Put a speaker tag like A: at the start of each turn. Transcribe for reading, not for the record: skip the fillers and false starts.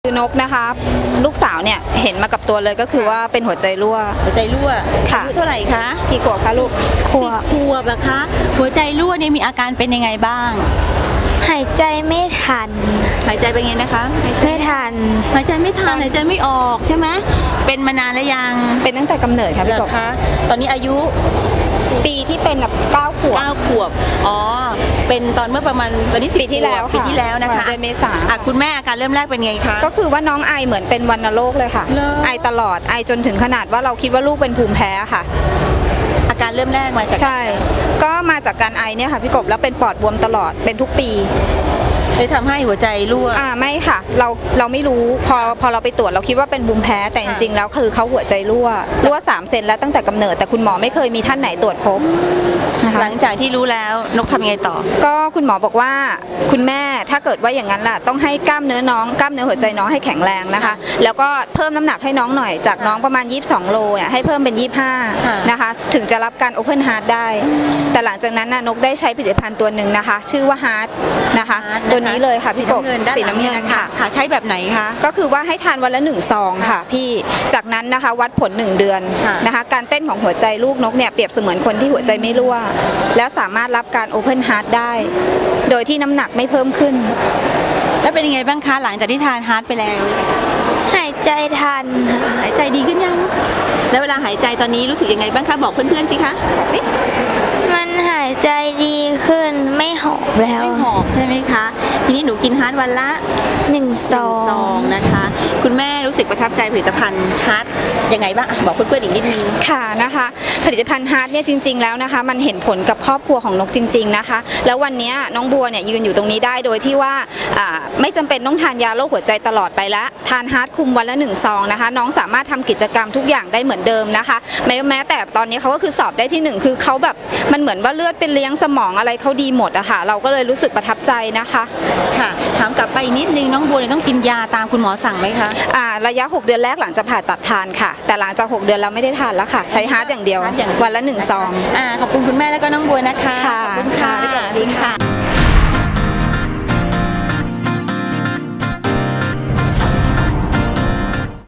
A: คือนกนะคะลูกสาวเนี่ยเห็นมากับตัวเลยก็คือว่าเป็นหัวใจรั่ว
B: ค่ะอายุเท่าไหร่คะ
A: กี่ขวบคะลูก
B: ขวบนะคะหัวใจรั่วเนี่ยมีอาการเป็นยังไงบ้าง
C: หายใจไม่ทัน
B: หายใจเป็นไงนะคะ
C: ไม่ทัน
B: หายใจไม่ทันหายใจไม่ออกใช่ไหมเป็นมานานแล้วยัง
A: เป็นตั้งแต่กำเนิดค่ะพี่กบ
B: คะตอนนี้อายุ
A: ปีที่เป็นแบบ9 ขวบ
B: อ๋อเป็นตอนเมื่อประมาณตอนนี้
A: ปีที่แล้ว
B: นะคะ
A: เดือนเมษา
B: คุณแม่อาการเริ่มแรกเป็นไงคะ
A: ก็คือว่าน้องไอเหมือนเป็นวัณโรคเลยค่ะไอตลอดไอจนถึงขนาดว่าเราคิดว่าลูกเป็นภูมิแพ้ค่ะ
B: อาการเริ่มแรกมาจาก
A: ใช่ก็มาจากการไอเนี่ยค่ะพี่กบแล้วเป็นปอดบวมตลอดเป็นทุกปี
B: เลยทำให้หัวใจรั่ว
A: ไม่ค่ะเราไม่รู้พอเราไปตรวจเราคิดว่าเป็นภูมิแพ้แต่จริงๆแล้วคือเขาหัวใจรั่ว3 เซนแล้วตั้งแต่กำเนิดแต่คุณหมอไม่เคยมีท่านไหนตรวจพบ
B: หลังจากที่รู้แล้วนกทำยังไงต่อ
A: ก็คุณหมอบอกว่าคุณแม่ถ้าเกิดว่าอย่างนั้นล่ะต้องให้กล้ามเนื้อหัวใจน้องให้แข็งแรงนะคะแล้วก็เพิ่มน้ำหนักให้น้องหน่อยจากน้องประมาณ22 โลเนี่ยให้เพิ่มเป็น25นะคะถึงจะรับการ Open Heart ได้แต่หลังจากนั้นนกได้ใช้ผลิตภัณฑ์ตัวหนึ่งนะคะชื่อว่า Heart นะคะตัวนี้เลยค่ะพี่กบสีน้ำเงินค่ะ
B: ใช้แบบไหนคะ
A: ก็คือว่าให้ทานวันละ1 ซองค่ะพี่จากนั้นนะคะวัดผล1 เดือนนะคะการเต้นของหัวใจลูกนกเนี่ยเปรียบเสมือนคนที่หัวใจไม่รั่วแล้วสามารถรับการ Open Heart ได้โดยที่น้ำหนักไม่เพิ่มขึ้น
B: แล้วเป็นยังไงบ้างคะหลังจากที่ทานฮาร์ทไปแล้ว
C: หายใจทัน
B: หายใจดีขึ้นยังแล้วเวลาหายใจตอนนี้รู้สึกยังไงบ้างคะบอกเพื่อนๆสิคะ
A: บอกสิ
C: มันหายใจดีขึ้นไม่หอบแล้ว
B: ไม่หอบใช่ไหมคะทีนี้หนูกินฮาร์ทวันละ
C: 1 ซอง
B: นะคะคุณแม่รู้สึกประทับใจผลิตภัณฑ์ฮาร์ทยังไงบ้างบอกเพื่อนๆอีกนิดนึง
A: ค่ะนะคะผลิตภัณฑ์ฮาร์ทเนี่ยจริงๆแล้วนะคะมันเห็นผลกับครอบครัวของนกจริงๆนะคะแล้ววันนี้น้องบัวเนี่ยยืนอยู่ตรงนี้ได้โดยที่ว่าไม่จำเป็นต้องทานยาโรคหัวใจตลอดไปละทานฮาร์ทคุมวันละ1 ซองนะคะน้องสามารถทำกิจกรรมทุกอย่างได้เหมือนเดิมนะคะแม้แต่ตอนนี้เขาก็คือสอบได้ที่1คือเขาแบบมันเหมือนว่าเลือดเป็นเลี้ยงสมองอะไรเขาดีหมดอะค่ะเราก็เลยรู้สึกประทับใจนะคะ
B: ค่ะถามกลับไปนิดนึงน้องบัวต้องกินยาตามคุณหมอสั่งไหมคะ
A: ระยะ6 เดือนแรกหลังจากผ่าตัดทานค่ะแต่หลังจาก6 เดือนเราไม่ได้ทานแล้วค่ะใช้ฮาร์ทอย่างเดียววันละ1 ซอง
B: ขอบคุณคุณแม่แล้วก็น้องบัวนะคะ
A: ขอบคุณค่ะ
B: สวัสดีค่ะ